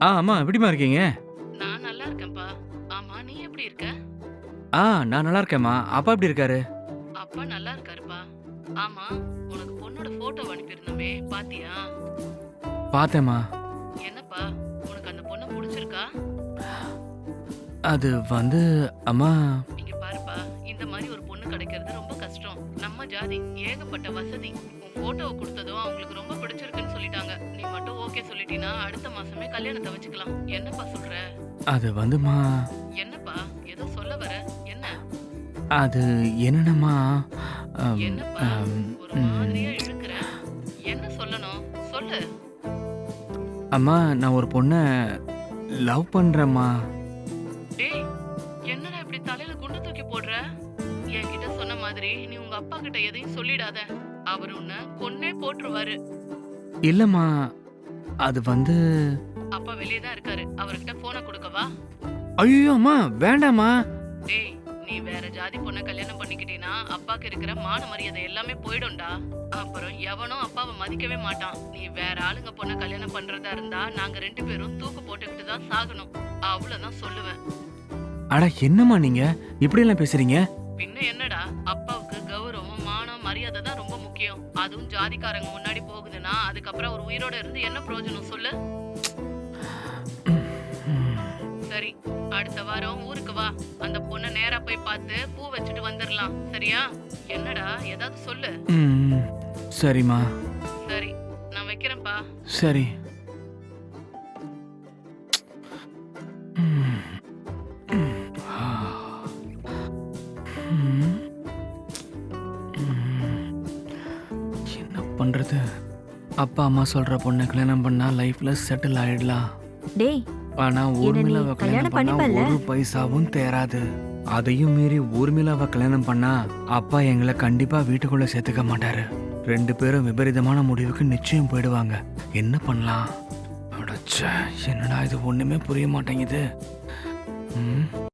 அம்மா எப்படிம்மா இருக்கீங்க? நான் நல்லா இருக்கேன்ப்பா. ஆமா, நீ எப்படி இருக்க? நான் நல்லா இருக்கேன்ம்மா. அப்பா எப்படி இருக்காரு? அப்பா நல்லா இருக்காருப்பா. ஆமா, உனக்கு பொண்ணோட போட்டோ அனுப்பியிருந்தோமே, பாத்தியா? பார்த்தேம்மா. என்னப்பா, உனக்கு அந்த பொண்ண புடிச்சிருக்கா? அது வந்து அம்மா. இங்க பாருப்பா, இந்த மாதிரி ஒரு பொண்ணு கிடைக்கிறது ரொம்ப கஷ்டம். நம்ம ஜாதி ஏகப்பட்ட வசதி. உன் போட்டோவை கொடுத்ததும் அவங்களுக்கு ரொம்ப பிடிச்சிருக்குன்னு சொல்லிட்டாங்க. நீ மட்டும் ஓகே சொல்லிட்டீன்னா அடுத்த மாசமே கல்யாணத்தை வச்சுக்கலாம். என்னப்பா சொல்ற? அது வந்தும்மா, என்னப்பா, ஏதோ சொல்ல வர? என்ன? அது என்னன்னம்மா, அம், என்னப்பா, அம், ஒரு ம், மாதிரியா இழுக்கிற? என்ன சொல்லணும்? சொல்லு. அம்மா நான் ஒரு பொண்ண லவ் பண்றேம்மா. டேய், என்னடா இப்படி தலையில குண்டு தூக்கி போடுற? என்கிட்ட சொன்ன மாதிரி நீ உங்க அப்பா கிட்ட எதையும் சொல்லிடாத. அவர் உன்னை கொன்னே போட்டுருவாரு. இல்லம்மா, அது வந்து. அப்பா வெளியே தான் இருக்காரு. அவர்கிட்ட போனை கொடுக்கவா? ஐயோ அம்மா, வேண்டாம்மா. டேய், நீ வேற ஜாதி பொண்ணை கல்யாணம் பண்ணிக்கிட்டீன்னா அப்பாக்கு இருக்கிற மான மரியாதை எல்லாமே போயிடும்டா. அப்புறம் எவனும் அப்பாவை மதிக்கவே மாட்டான். நீ வேற ஆளுங்க பொண்ணை கல்யாணம் பண்றதா இருந்தா நாங்க 2 பேரும் தூக்கு போட்டுக்கிட்டு தான் சாகணும். அவ்வளவுதான் சொல்லுவேன். அட என்னம்மா நீங்க இப்படியெல்லாம் பேசுறீங்க? பின்ன என்னடா, அப்பாவுக்கு கௌரவம் மானம் மரியாதை தான் ரொம்ப முக்கியம். அதுவும் ஜாதிக்காரங்க முன்னாடி போகுதுன்னா அதுக்கப்புறம் அவர் உயிரோட இருந்து என்ன பிரயோஜனம் சொல்லு? சரி, அடுத்த வாரம் ஊருக்கு வா. அந்த பொண்ணை நேரா போய் பார்த்து பூ வச்சுட்டு வந்துடலாம். சரியா? என்னடா, ஏதாவது சொல்லு. ம், சரிம்மா. சரி, நான் வைக்கிறேன்ப்பா. சரி. ம், ம், ஆ, ம், ம். என்ன பண்றது? அப்பா அம்மா சொல்ற பொண்ணை கல்யாணம் பண்ணா லைஃப்ல செட்டில் ஆயிடலாம். டேய், ஆனா என்ன நீ ஊர்மிளாவை கல்யாணம் கல்யாணம் பண்ணா பண்ணிப்பல்ல? ஒரு பைசாவும் தேராது. அதையும் மீறி ஊர்மிளாவை கல்யாணம் பண்ணா அப்பா எங்களை கண்டிப்பா வீட்டுக்குள்ள சேர்த்துக்க மாட்டாரு. 2 பேரும் விபரீதமான முடிவுக்கு நிச்சயம் போயிடுவாங்க. என்ன பண்ணலாம்? அடச்சே, என்னடா இது ஒண்ணுமே புரிய மாட்டேங்குது. ம்